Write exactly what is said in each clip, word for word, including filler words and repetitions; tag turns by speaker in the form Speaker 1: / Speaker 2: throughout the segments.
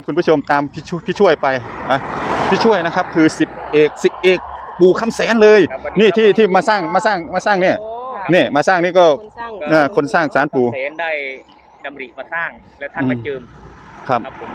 Speaker 1: คุณผู้ชมตามพี่ช่วยพี่ช่วยไปอ่ะพี่ช่วยนะครับคือสิบเอกสิบเอกปู่คำแสนเลยนี่ที่ที่มาสร้างมาสร้างมาสร้างเนี่ยเนี่ยมาสร้างนี่ก็เออคนสร้างศาลปู่
Speaker 2: เสนได้ดำริมาสร้างแล้วท่านมาเจิม
Speaker 1: ครับ
Speaker 2: ครับผม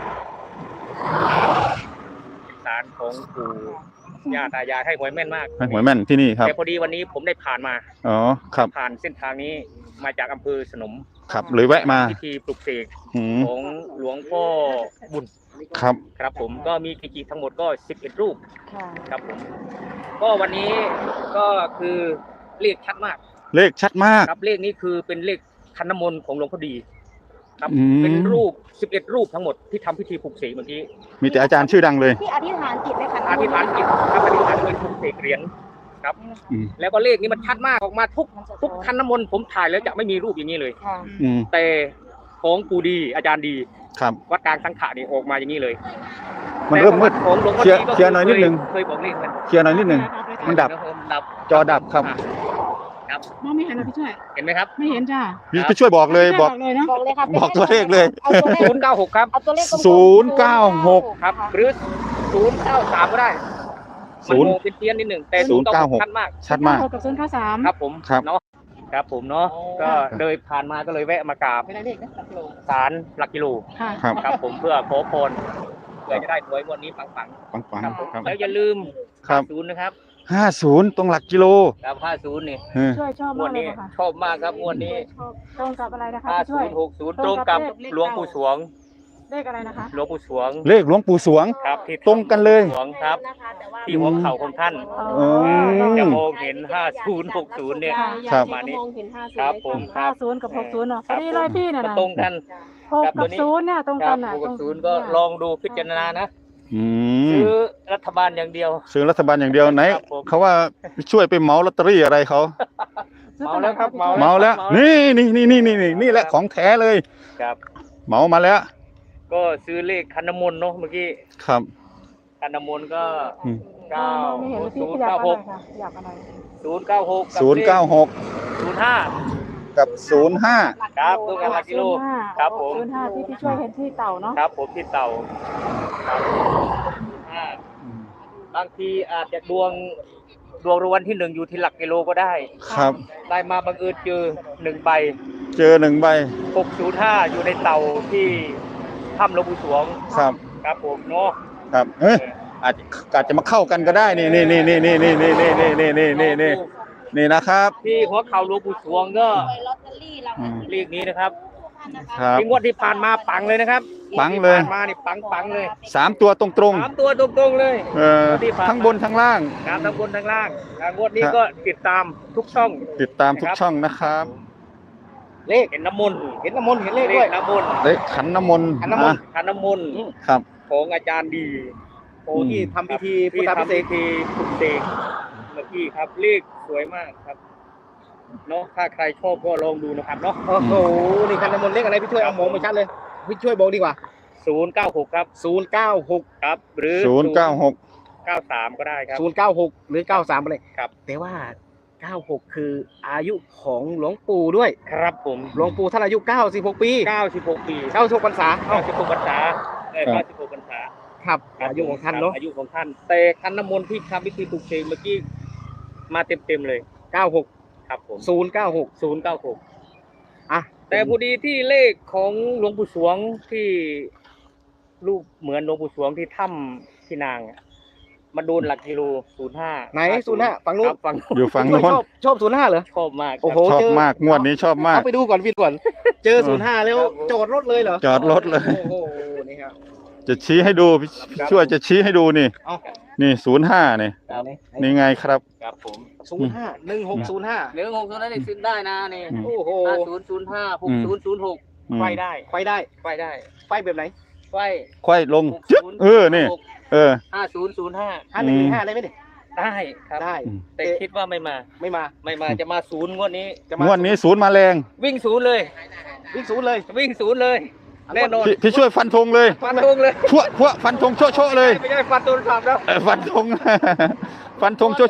Speaker 2: ศาลของปู่ย่าตายายให้หวยแม่นมาก
Speaker 1: ให้หวยแม่นที่นี่ครับ
Speaker 2: แต่พอดีวันนี้ผมได้ผ่านมา
Speaker 1: อ๋อครับ
Speaker 2: ผ่านเส้นทางนี้มาจากอำเภอสนม
Speaker 1: ครับเลยแวะมา
Speaker 2: พิธีปลุกเสก
Speaker 1: อืม
Speaker 2: ของหลวงพ่อบุญ
Speaker 1: ครับ
Speaker 2: ครับผมก็มีกิจทั้งหมดก็สิบเอ็ดรูป
Speaker 3: ค่ะ
Speaker 2: ครับผมก็วันนี้ก็คือเลขชัดมาก
Speaker 1: เลขชัดมาก
Speaker 2: ครับเลขนี้คือเป็นเลขคันน้ำมนต์ของหลวงพ่อดีครับ
Speaker 1: อืม
Speaker 2: เป็นรูปสิบเอ็ดรูปทั้งหมดที่ทำพิธีปลุกเสกเมื่อกี้
Speaker 1: มีแต่อาจารย์ชื่อดังเลย
Speaker 3: ที่อธิษฐานจิตในขัน
Speaker 2: อธิษฐานจิตครับอธิษฐานด้วยปลุกเสกเหรียญครับ
Speaker 1: อืม
Speaker 2: แล้วก็เลขนี้มันชัดมากออกมาทุกทุกคันน้ำมนต์ผมถ่ายแล้วจะไม่มีรูปอย่างนี้เลย
Speaker 3: ค่ะ
Speaker 1: อืม
Speaker 2: แต่ของปู่ดีอาจารย์ดี
Speaker 1: ครับ
Speaker 2: วัดกลางสังขะนี่ออกมาอย่างนี้เลย
Speaker 1: มันเริ่มมืด
Speaker 2: แต่ของหลวงพ่อ
Speaker 1: เคลียร์
Speaker 2: ดีก็
Speaker 1: เคลียร์หน่อยนิดนึง
Speaker 2: เคยบอกเลขมัน
Speaker 1: เคลียร์หน่อยนิดหนึ่งมันดับ
Speaker 2: ดับ
Speaker 1: จอดับครับ
Speaker 2: ครับ
Speaker 4: มองไม่เห็นนะพี่ช่วย
Speaker 2: เห็นไหมครับ
Speaker 4: ไม่เห็นจ้า
Speaker 1: พี่พี่ช่วยบอกเลยบอก
Speaker 4: เลยเนาะ
Speaker 3: บอกเลยค่ะ
Speaker 1: บอกตัวเลขเลย
Speaker 3: เอาตัวเลข
Speaker 2: ศูนย์เก้าหกครับ
Speaker 3: เอาตัวเลขกลมๆ
Speaker 1: ศูนย์เก้าหก
Speaker 2: ครับ หรือศูนย์เก้าสามก็ได้
Speaker 1: ศูนย์
Speaker 2: มันโมเป็นเพี้ยนนิดหนึ่งแต่
Speaker 1: ศูนย์เก้าหก
Speaker 2: ชัดมาก
Speaker 1: ชัดมาก
Speaker 4: หกกับศูนย์เก้าสาม
Speaker 2: ครับผม
Speaker 1: ครับ
Speaker 2: เนาะครับผมเนาะก็เดินผ่านมาก็เลยแวะมากราบ
Speaker 3: ไม่ได้เลขนะหลักโล
Speaker 2: ศาลหลักกิโล
Speaker 4: ค่ะ
Speaker 1: ครับ
Speaker 2: ครับผมเพื่อขอพรเพื่อจะได้หวยงวันนี้ปัง
Speaker 1: ปังปัง
Speaker 2: ๆครับผม
Speaker 1: ครับ
Speaker 2: แล้วอย่าลืม
Speaker 1: ครับ
Speaker 2: ศูนย์นะครับ
Speaker 1: ห้าศูนย์ตรงหลักกิโล
Speaker 2: ครับห้าศูนย์นี่
Speaker 1: เออ
Speaker 4: ช่วยชอบ
Speaker 2: ง
Speaker 4: มาว ก
Speaker 2: ด
Speaker 4: เลย
Speaker 2: นี้
Speaker 4: ค่ะ
Speaker 2: ชอบมากครับงวดนี้
Speaker 4: ตรงกับอะไรนะคะ
Speaker 2: ห้า
Speaker 4: พี่ช่
Speaker 2: ศู
Speaker 4: วย
Speaker 2: นย์หกศูนย์ตรงกับหลวงปู่สวง
Speaker 4: เลขอะไรนะคะ
Speaker 2: หลวงปู่สวง
Speaker 1: เลขหลวงปู่สวง
Speaker 2: ครับที่
Speaker 1: ตรงกันเลย
Speaker 2: สวงครับ
Speaker 3: นะคะแต่ว่า
Speaker 2: ที่หัวเข่าของท่าน
Speaker 1: อืม
Speaker 2: จะมองเห็นห้าศูนย์หกศูนย์เนี่ย
Speaker 1: ครับ
Speaker 2: มานี่
Speaker 3: มองเห็นห้าศูนย์
Speaker 2: ครับผมค
Speaker 4: ห้า
Speaker 2: รับ
Speaker 4: ศูนย์กับหกศูนย์เนาะพ
Speaker 2: ค
Speaker 4: อ
Speaker 2: รับ
Speaker 4: ดีเลยพี่น่ะ
Speaker 2: มัน
Speaker 4: นะ
Speaker 2: ตรงกัน
Speaker 4: หก
Speaker 2: ครับตั
Speaker 4: กั
Speaker 2: ว
Speaker 4: บ
Speaker 2: นี้
Speaker 4: ศูนย์เนี่ยตรง
Speaker 2: ค
Speaker 4: กั
Speaker 2: รั
Speaker 4: น
Speaker 2: บ
Speaker 4: น่ะ
Speaker 2: หก
Speaker 4: ตร
Speaker 2: กับ
Speaker 4: ง
Speaker 2: ศูนย์ก็ลองดูพิจารณานะ
Speaker 1: อืม
Speaker 2: ซื้อรัฐบาลอย่างเดียว
Speaker 1: ซื้อรัฐบาลอย่างเดียวไหน
Speaker 2: ครับผม
Speaker 1: เขาว่าช่วยไปเหมาลอตเตอรี่อะไรเขา
Speaker 4: ซื้อ
Speaker 2: เมา
Speaker 4: ตัวไหน
Speaker 2: แล้วครับ
Speaker 4: พี่
Speaker 2: เมา
Speaker 4: ช่วย
Speaker 1: เหมาแล้ว นี่นี่นี่นี่นี่นี่นี่แหละของแท้เลย
Speaker 2: ครับ
Speaker 1: เหมามาแล้ว
Speaker 2: ก็ซื้อเลขคันน้ำมนต์เนาะเมื่อกี้
Speaker 1: ครับ
Speaker 2: คันน้ำมนต์ก็
Speaker 1: อืม
Speaker 2: เก้า
Speaker 4: ไม่เห็นเลยพี่
Speaker 2: ศูน
Speaker 4: ข
Speaker 2: ย์
Speaker 4: ยับ
Speaker 2: เก้า
Speaker 4: อะ
Speaker 2: ห
Speaker 4: ไร
Speaker 2: ก
Speaker 4: ค่ะขยับอะไร
Speaker 2: ศูนย์เก้าหก
Speaker 1: ศูนย์เก้าหก
Speaker 2: ศูนย์ห้า
Speaker 1: กับศูนย์ห้า
Speaker 2: ครับตรงกันหลักกิโล
Speaker 4: ศูนย์ห้า
Speaker 2: ครับผม
Speaker 4: ศูนย์ห้าที่พี่ช่วยเห็นที่เต่าเนาะ
Speaker 2: ครับผมที่เต่าครับอ่าบางทีอาจจะดวงดวงรางวัลที่หนึ่งอยู่ที่หลักกิโลก็ได้
Speaker 1: ครับ
Speaker 2: ได้มาบังเอิญเจอหนึ่งใบ
Speaker 1: เจอหนึ่งใบ
Speaker 2: หกศูนย์ห้าอยู่ในเต่าที่ถ้ำหลวงปู่สวง
Speaker 1: ครับ
Speaker 2: ครับผมเนาะ
Speaker 1: ครับเอ้ยอาจอาจจะมาเข้ากันก็ได้นี่นี่นี่นี่นี่นี่นี่นี่นี่นี่นี่นี่นี่นี่นะครับ
Speaker 2: ที่หัวเข่าหลวงปู่สวงก็
Speaker 3: ไปลอตเตอรี่รางวัลที่
Speaker 2: เลขนี้นะครับ
Speaker 1: ครับ
Speaker 2: ที่งวดที่ผ่านมาปังเลยนะครับ
Speaker 1: ปังเลย
Speaker 2: ที่ผ่านมานี่ปังปังเลย
Speaker 1: สามตัวตรงตรง
Speaker 2: สามตัวตรงๆเลย
Speaker 1: ๆเออ
Speaker 2: ที่ผ่านมา
Speaker 1: ทั้งบนทั้งล่าง
Speaker 2: ครับทั้งบนทั้งล่างอ่างวดนี้
Speaker 1: ครับ
Speaker 2: ก็ติดตามทุกช่อง
Speaker 1: ติดตามทุกช่องนะครับ
Speaker 2: เลขเห็นน้ำมนต์เห็นน้ำมนต์เห็นเลขด้วยน้ำมนต์
Speaker 1: เลขขันน้ำมนต์
Speaker 2: ขันน้ำมน
Speaker 1: อ่ะ
Speaker 2: ต์ขันน้ำมนต์
Speaker 1: ครับ
Speaker 2: ของอาจารย์ดีโอ้
Speaker 1: อืม
Speaker 2: ที่ทำพิธีพุทธพิเศษที่ปลุกเสกเมื่อกี้ครับเลขสวยมากครับเนาะถ้าใครชอบก็ลองดูนะครับเนาะ
Speaker 5: โอ้โห นี่คันน้ำมนต์เลขอะไรพี่ช่วยเอามองไม่ชัดเลย พี่ช่วยบอกดีกว่า
Speaker 2: ศูนย์เก้าหกครับ
Speaker 5: ศูนย์เก้าหก
Speaker 2: ครับ หรือ
Speaker 1: ศูนย์เก้าหก
Speaker 2: เก้าสามก็ได้ครับ
Speaker 5: ศูนย์เก้าหกหรือเก้าสามอะไร
Speaker 2: ครับ
Speaker 5: แต่ว่าเก้าหกคืออายุของหลวงปู่ด้วย
Speaker 2: ครับผม
Speaker 5: หลวงปู่ท่านอายุเก้าสิบหกปี
Speaker 2: เก้าสิบหกปี
Speaker 5: เก้าสิบหกพรรษา
Speaker 2: เก้าสิบหกพรรษาเออเก้าสิบหกพรรษา
Speaker 5: ครับอายุของท่านเนาะ
Speaker 2: อายุของท่าน แต่คันน้ำมนต์ที่ทำพิธีปลุกเสกเมื่อกี้มาเต็มเต็มๆเลย
Speaker 5: เก้าหก
Speaker 2: ครับผม
Speaker 5: ศูนย์เก้าหก
Speaker 2: ศูนย์เก้าหก
Speaker 5: อ่ะ
Speaker 2: แต่พอดีที่เลขของหลวงปู่สวงที่รูปเหมือนหลวงปู่สวงที่ถ้ำที่นางอะมาโดนหลักกิโลศูนย์ห้า
Speaker 5: ไหนศูนย์ห้าฝั่งนู้น
Speaker 2: ฝั่งนู้น
Speaker 1: อยู่ฝั่ง
Speaker 5: พี่ช่วย
Speaker 1: โน้น
Speaker 5: ชอบชอบศูนย์ห้าเหรอ
Speaker 2: ชอบมากครับ
Speaker 5: โอ้โห
Speaker 1: ชอบ
Speaker 5: เจอ
Speaker 1: มากงวดนี้ชอบมาก
Speaker 5: เอาไปดูก่อนพี่ก่อน เจอศูนย์ห้าแล้วจอดรถเลยเหรอ
Speaker 1: จอดรถเลย
Speaker 5: โอ้โห นี่ครับ
Speaker 1: จะชี้ให้ดูพี่พี่ช่วยจะชี้ให้ดูนี่
Speaker 5: เอา
Speaker 1: นี่ศูนย์ห้านี่
Speaker 2: ครับ
Speaker 1: นี่ไงครับ
Speaker 2: ครับผม
Speaker 5: ศูนย์ห้าหนึ่งหกศูนย์ห้า
Speaker 2: เหลือหกตัวนั้นได้ซื้อได้นะนี่
Speaker 1: อืม
Speaker 5: โอ้โห
Speaker 2: ห้าศูนย์ศูนย์ห้าหกศูนย์ศูนย์หก
Speaker 1: อืม
Speaker 2: ไฟได้
Speaker 5: ไฟได้
Speaker 2: ไฟได้
Speaker 5: ไฟแบบไหน
Speaker 2: ไฟ
Speaker 1: ค่อยลงจึ๊บเออนี่เออ
Speaker 2: ห้าศูนย์ศูนย์ห้า
Speaker 5: ห้าหนึ่งห้าได้ไหมเนี่ย
Speaker 2: ได้ครับ
Speaker 5: ได้
Speaker 1: อืม
Speaker 2: แต่คิดว่าไม่มา
Speaker 5: ไม่มา
Speaker 2: ไม่มาจะมาศูนย์งวดนี้
Speaker 5: จะมาง
Speaker 1: วดนี้ศูนย์มาแรง
Speaker 2: วิ่งศูนย์เลย
Speaker 5: วิ่งศูนย์เลย
Speaker 2: วิ่งศูนย์เลย แน่นอน
Speaker 1: พี่พี่ช่วยฟันธงเลย
Speaker 2: ฟันธงเลย
Speaker 1: พวกพวกฟันธงโชะโชะเลย
Speaker 2: ไม่ใช่ฟันตัวขับแล้ว
Speaker 1: เออฟันธง ฟันธงโชะโชะ
Speaker 5: ง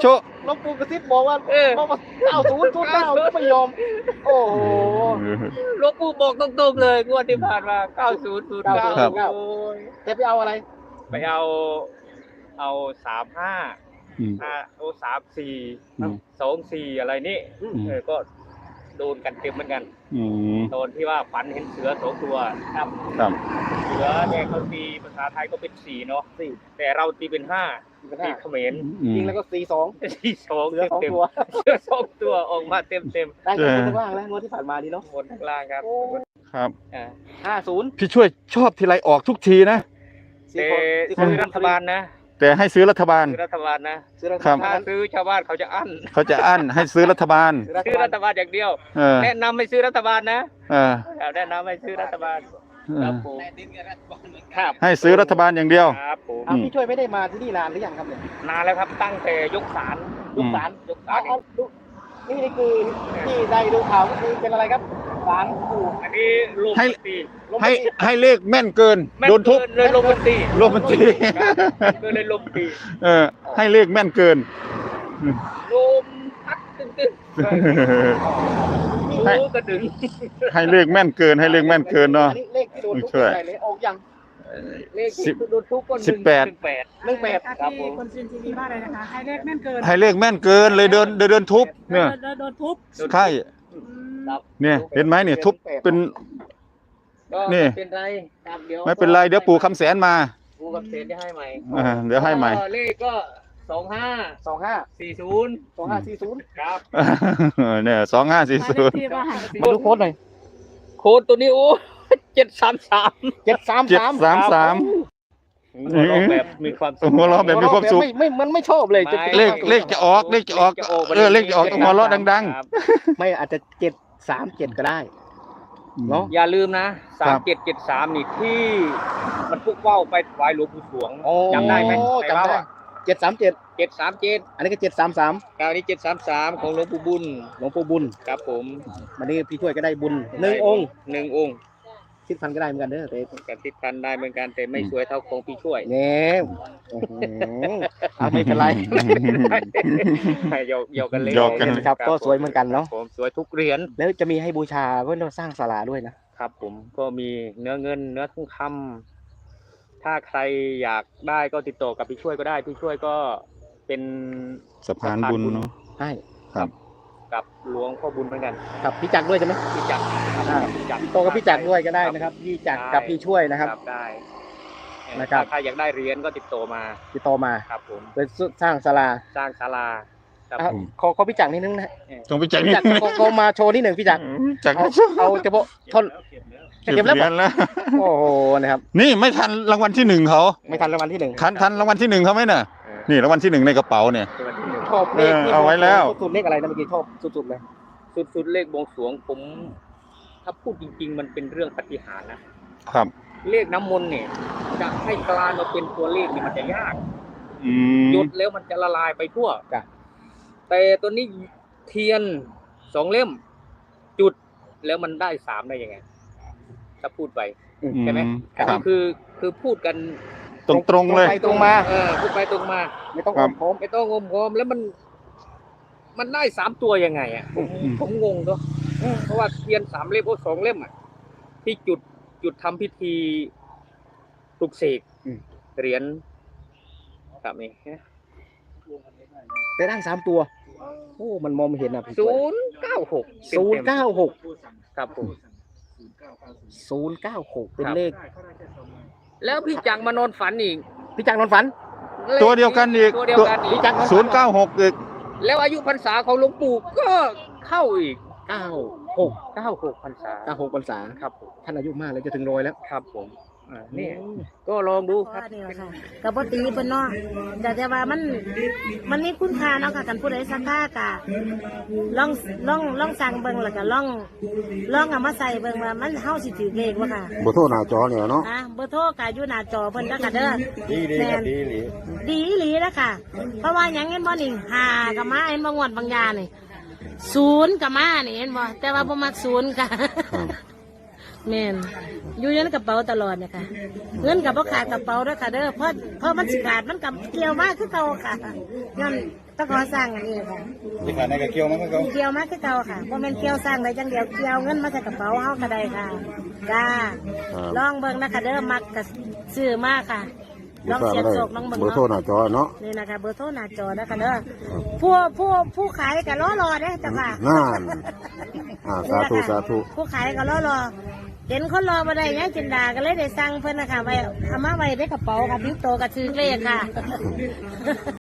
Speaker 5: หลวงปู่กระซิบบอกว่า
Speaker 2: เออ
Speaker 5: บอกว่าเก้าศูนย์ศูนย์เก้าก็ไม่ยอม โอ้โห
Speaker 2: หลวงปู่บอกตรงๆเลยงวดที่ผ่านมาเก้าศูนย์ศูนย์เก้า
Speaker 1: ครับ
Speaker 2: โอ้ย
Speaker 5: แต่ไปเอาอะไร
Speaker 2: ไปเอาเอาสามห้า
Speaker 1: อืม
Speaker 2: อ่าเอาสามสี่
Speaker 1: อืม
Speaker 2: สองสี่อะไรนี่
Speaker 1: อืม
Speaker 2: เออก็โดนกันเต็มเหมือนกัน
Speaker 1: อืม
Speaker 2: โดนที่ว่าฝันเห็นเสือสองตัวครับ
Speaker 1: ครับ
Speaker 2: เสือเนี่ยเขาตีภาษาไทยก็เป็นสี่เนาะ
Speaker 5: สี่
Speaker 2: แต่เราตีเป็นห้า
Speaker 5: เป็น
Speaker 2: ตี
Speaker 5: ห้า
Speaker 2: เขมร
Speaker 1: อืม
Speaker 5: ยิงแล้วก็สี่สอง
Speaker 2: ที่สอง
Speaker 5: เสือสอง
Speaker 2: เต็ม
Speaker 5: ตัว
Speaker 2: ๆเสือสองตัวออกมาเต็มเต็ม
Speaker 5: ได้กันคนข้างล่างแล้วงวดที่ผ่านมาดีเนาะ
Speaker 2: ๆบนข้างล่างครับ
Speaker 1: ครับ
Speaker 2: อ่า
Speaker 5: ห้าศูนย์
Speaker 1: พี่ช่วยชอบทีไรออกทุกทีนะ
Speaker 2: แต่
Speaker 5: สี่
Speaker 2: ซื้อ
Speaker 5: ค
Speaker 2: รัฐบาลนะ
Speaker 1: แต่ให้ซื้อรัฐบาล
Speaker 2: ซื้อรัฐบาลนะ
Speaker 5: ซื้อรัฐ
Speaker 1: ครับ
Speaker 5: บา
Speaker 2: ถ้า
Speaker 5: ล
Speaker 2: ซื้อชาวบ้านเขาจะอั้น
Speaker 1: เขาจะอั้นให้ซื้อรัฐบาล
Speaker 2: ซื้อรัฐบาลอย่างเดียว
Speaker 1: เออ
Speaker 2: แนะนำให้ซื้อรัฐบาลนะ
Speaker 1: เออ
Speaker 2: แนะนำให้ซื้อรัฐบาล
Speaker 1: เอ
Speaker 2: ครับ
Speaker 1: อ
Speaker 2: ผมครับ
Speaker 1: ให้ซื้อรัฐบาลอย่างเดียว
Speaker 2: ครับผม
Speaker 5: อ้าวพี่ช่วยไม่ได้มาที่นี่นานหรือยังครับเนี่ย
Speaker 2: นานแล้วครับตั้งแต่ยกศาล
Speaker 1: อื
Speaker 5: ลูก
Speaker 1: ม
Speaker 5: ศาล
Speaker 2: ยกศา
Speaker 5: เอา
Speaker 2: ล
Speaker 5: เอาดูนี่นี่คือที่ได้ดูข่าวก็คือเป็นอะไรครับศาลปู่
Speaker 2: อันนี้ลง
Speaker 1: ให้
Speaker 2: บันตี
Speaker 5: ลง
Speaker 1: ให้
Speaker 5: บันทึก
Speaker 1: ให้เลขแม่นเกิน
Speaker 2: แม่น
Speaker 1: โดนทุบ
Speaker 2: เกิเลยลงบันตี
Speaker 1: ลงบันที
Speaker 2: ครับก็เลยลงตี
Speaker 1: เออ ให้เลขแม่นเกิน
Speaker 2: ลมพัดตึ้งตึ้ง
Speaker 1: ให้
Speaker 2: โอ้กระดึง
Speaker 1: ให้เลขแม่นเกิน ให้เลขแม่นเกินเนาะ
Speaker 5: อัเลขที่โดนทุบ
Speaker 1: ช่วย
Speaker 5: อะไรเลยออกยัง
Speaker 2: เลข
Speaker 1: สิ
Speaker 2: ที่
Speaker 1: บ
Speaker 2: โดนทุกคน
Speaker 1: สิบแปด
Speaker 2: หนึ่งแปด
Speaker 5: หนึ่งแปด
Speaker 2: ครับผม
Speaker 4: คนซินทีวีมากเลยนะคะ ให้เลขแม่นเกิน
Speaker 1: ให้เลขแม่นเกินเลยเดินเดินเดินทุบเนี่ย
Speaker 4: โดนโดนทุบ
Speaker 1: ใช่
Speaker 4: อืม
Speaker 2: ครับ
Speaker 1: เนี่ยเห็นไหมเนี่ยทุบเป็น
Speaker 2: ก็
Speaker 1: นี่
Speaker 2: ไม่เป็นไรครับเดี๋ยว
Speaker 1: ไม่เป็นไรเดี๋ยวปู่คำแสนมา
Speaker 2: กูกับเซนจะให้ใหม่
Speaker 1: อ่าเดี๋ยวให้ใหม่
Speaker 2: ก็เลขก็สองห้า
Speaker 5: สองห้า
Speaker 2: สี่ศูนย์
Speaker 5: สองห้าสี่ศูนย์
Speaker 2: ครับ
Speaker 1: เนี่ยสองห้าสี่
Speaker 4: หมาย
Speaker 1: ศู
Speaker 4: เล
Speaker 1: น
Speaker 4: ข
Speaker 1: ย์
Speaker 4: ที่บ้าน
Speaker 5: มาดูโค้ดหน่อย
Speaker 2: โค้ดตัวนี้โอ้เจ็ดสามสาม
Speaker 5: เจ็ดสาม
Speaker 1: เจ็ด
Speaker 5: สาม
Speaker 1: สามสาม
Speaker 2: หัวเราะแบบมีความสุข
Speaker 1: หัวเราะแบบมีความสุข
Speaker 5: ไม่ไม่มันไม่ชอบเลยจะ
Speaker 2: ไม่
Speaker 1: เลขเลขจะออกเลขจะออกเออเลขจะออกต้องหัวเราะดัง
Speaker 2: ครับ
Speaker 5: ไม่อาจจะเจ็ดสามเจ็ดก็ได้
Speaker 1: ๆ
Speaker 5: เนาะ
Speaker 2: อย่าลืมนะ
Speaker 1: ครั
Speaker 2: สาม
Speaker 1: บ
Speaker 2: เจ็ดเจ็ดสามนี่ที่มันพุกว่าวไปถวายหลวงปู่สวง
Speaker 5: โอ้
Speaker 2: จำได้ไหม
Speaker 5: จำได้เจ็ดสามเจ็ด
Speaker 2: เจ็ดสามเจ็ด
Speaker 5: อันนี้ก็เจ็ดสามสาม
Speaker 2: คราวนี้เจ็ดสามสามของหลวงปู่บุญ
Speaker 5: หลวงปู่บุญ
Speaker 2: ครับผม
Speaker 5: วันนี้พี่ช่วยก็ได้บุญหนึ่งองค์
Speaker 2: หนึ่งองค์
Speaker 5: ทิศพันก็ได้เหมือนกันเด้อเต้
Speaker 2: กับทิศพันได้เหมือนกันแต่ไม่สวยเท่าของพี่ช่วย
Speaker 5: เนี่ยอื้อหือเอาไม่เป็นไร
Speaker 2: หยอกหยอกกันเล่น
Speaker 1: หยอกกัน
Speaker 5: ครับก็สวยเหมือนกันเนาะ
Speaker 2: ผมสวยทุกเหรียญ
Speaker 5: แล้วจะมีให้บูชาเพื่อเราสร้างศาลาด้วยนะครับ
Speaker 2: ผมก็มีเนื้อเงินเนื้อทองคำถ้าใครอยากได้ก็ติดต่อกับพี่ช่วยก็ได้พี่ช่วยก็เป็น
Speaker 1: สะพานบุญเนาะ
Speaker 5: ใช่
Speaker 1: ครับ
Speaker 2: กับหลวงพ่อบุญเหมือนกัน
Speaker 5: กับพี่จักรด้วยใช่ไหม
Speaker 2: พี่จักรครับ
Speaker 5: อ่า
Speaker 2: พี่จักร
Speaker 5: โตกับพี่จักรด้วยก็ได้นะครับพี่จักรกับพี่ช่วยนะครับ
Speaker 2: ได้
Speaker 5: นะครับ
Speaker 2: ถ้าใครอยากได้เหรียญก็ติดต่อมา
Speaker 5: ติดต่อมา
Speaker 2: ครับผม
Speaker 5: ไปสร้างศาลา
Speaker 2: สร้างศาลาครับ
Speaker 5: อ่ะ
Speaker 2: ผม
Speaker 5: ขอขอพี่จักรนิดนึงนะ
Speaker 1: ต้องไปจัก
Speaker 5: พี่
Speaker 1: นี่
Speaker 5: จักรเขาเขามาโชว์นิดหนึ่งพี่จักร
Speaker 1: จัก
Speaker 5: เอาเอาเฉพาะท่อน
Speaker 1: เก็
Speaker 5: เก็
Speaker 1: บบ เห
Speaker 5: แล้ว
Speaker 1: รียญแล้ว
Speaker 5: โอ้โหนะครับ
Speaker 1: นี่ไม่ทันรางวัลที่หนึ่งเขา
Speaker 5: ไม่ทันรางวัลที่หนึ่ง
Speaker 1: ทันทันรางวัลที่หนึ่งเขาไหมน่ะ
Speaker 2: เออ
Speaker 1: นี่รางวัลที่หนึ่งในกระเป๋าเนี่ย
Speaker 2: เป็นวันที่หนึ่ง
Speaker 5: ชอบเลขที่
Speaker 1: เออเอาไว้แล้ว
Speaker 5: สุดๆเลขอะไรนะเมื่อกี้ชอบสุดๆเลย
Speaker 2: สุดสุดเลขบวงสรวงผม ถ้าพูดจริง ๆ มันเป็นเรื่องปาฏิหารย์นะครับ เลขน้ำมนต์เนี่ยจะให้กลายมาเป็นตัวเลขเนี่ยมันจะยาก
Speaker 1: อืม
Speaker 2: หยดแล้วมันจะละลายไปทั่ว
Speaker 5: จ้ะ
Speaker 2: แต่ตัวนี้เทียนสองเล่ม จุดแล้วมันได้สามได้ยังไง ถ้าพูดไป ใช่ไหม
Speaker 1: ครั
Speaker 2: นี่
Speaker 1: บ
Speaker 2: คือคือพูดกัน
Speaker 1: ตรงตรงๆเลย
Speaker 5: ไปตรงมา
Speaker 2: เออพูดไปตรงมา
Speaker 5: ไม่ต้อง
Speaker 1: ครั
Speaker 5: อ้อบ มค้อม
Speaker 2: ไม่ต้องงมงอมแล้วมัน มันได้สามตัวยังไงอ่ะผม
Speaker 1: อืม
Speaker 2: ผมงงด้วยเพราะว่าเทียนสามเล่มโอ้สองเล่มอ่ะที่จุดจุดทำพิธีปลุกเสกเหรียญครับนี่
Speaker 5: แต่ร่างสามตัว โอ้ มันมองไม่เห็นอ่ะพี่
Speaker 2: ศูนย์เก้าหก
Speaker 5: ศูนย์เก้าหก
Speaker 2: ครับผม
Speaker 5: ศูนย์เก้าหกเป็น
Speaker 2: ครับ
Speaker 5: เลข
Speaker 2: แล้วพี่จังมานอนฝันอีก
Speaker 5: พี่จักรนอนฝัน
Speaker 1: ตัวเดียวกันอีก
Speaker 2: ตัวเดียวกันอี
Speaker 5: พี่
Speaker 2: ก
Speaker 5: จักรนอนฝั
Speaker 1: ศูนย์เก้าหกอีก
Speaker 2: แล้วอายุพรรษาของหลวงปู่ก็เข้าอีก
Speaker 5: เก้าหก
Speaker 2: เก้าหกพรรษา
Speaker 5: เก้าหกพรรษา
Speaker 2: ครับผม
Speaker 5: ท่านอายุมากแล้วจะถึงร้อยแล้ว
Speaker 2: ครับผมอ่านี่ก็ลองดูครับ
Speaker 4: นี่แหละค่ะกับปตีเพิ่นเนาะแต่แต่ว่ามันมันมีคุณค่าเนาะค่ะกันผู้ใดสักค่ากะลองลองลองสั่งเบิ่งแล้วก็ลองลองเอามาใส่เบิ่งว่ามันเฮาสิถือเลขบ่ค่ะ
Speaker 6: บ่โทรหน้าจอเนี่ยเนาะ
Speaker 4: อ่ะเบอร์โทรก็อยู่หน้าจอเพิ่นแล้วก็เด้อดีดีครับดีหลีดีอีหลีแล้วค่ะ เพราะว่าหยังเห็นบ่นี่ห้าก็มาเห็นบ่งวดบางยานี่ศูนย์ก็มานี่เห็นบ่แต่ว่าบ่มักศูนย์ค่ะ แม่นอยู่ในกระเป๋าตลอดเนี่ยค่ะเงินกับพ่ขาดกระเป๋าด้วยค่ะเด้อเพราะเพราะมันสิขาดมันกับเกี่ยวมากคือเก่าค่ะย้อนตะขอสร้างอันนี้ค่ะ
Speaker 1: ที่ขาดในกระเกียวมันก็เขา
Speaker 4: เกี่ยวมาคือเก่าค่ะบ่แม่นเกี่ยวสร้างได้จังเดียวเกี่ยวเงินมาใส่กระเป๋าเฮาก็ได้ค่ะจ้าลองเบิ่งนะคะเด้อมักก็ซื้อมาค่ะลองเสียบโศกลองเบิ่ง
Speaker 6: เบอร์โทรห
Speaker 4: เนาะ
Speaker 6: น้าจอเนาะ
Speaker 4: นี่นะคะเบอร์โทรหน้าจอนะคะเด้อผู้ผู้ผู้ขายก็รอรอเด้อจ้ะค่ะ
Speaker 6: นั่นอ่าสาธุสาธุ
Speaker 4: ผู้ขายก็รอรอเห็นคนรอมาได้ยังจินดาก็เลยได้สั่งเพิ่นนะคะไว้เอามาไว้ในกระเป๋าค่ะบิ้วโตกับซื้อเลขค่ะ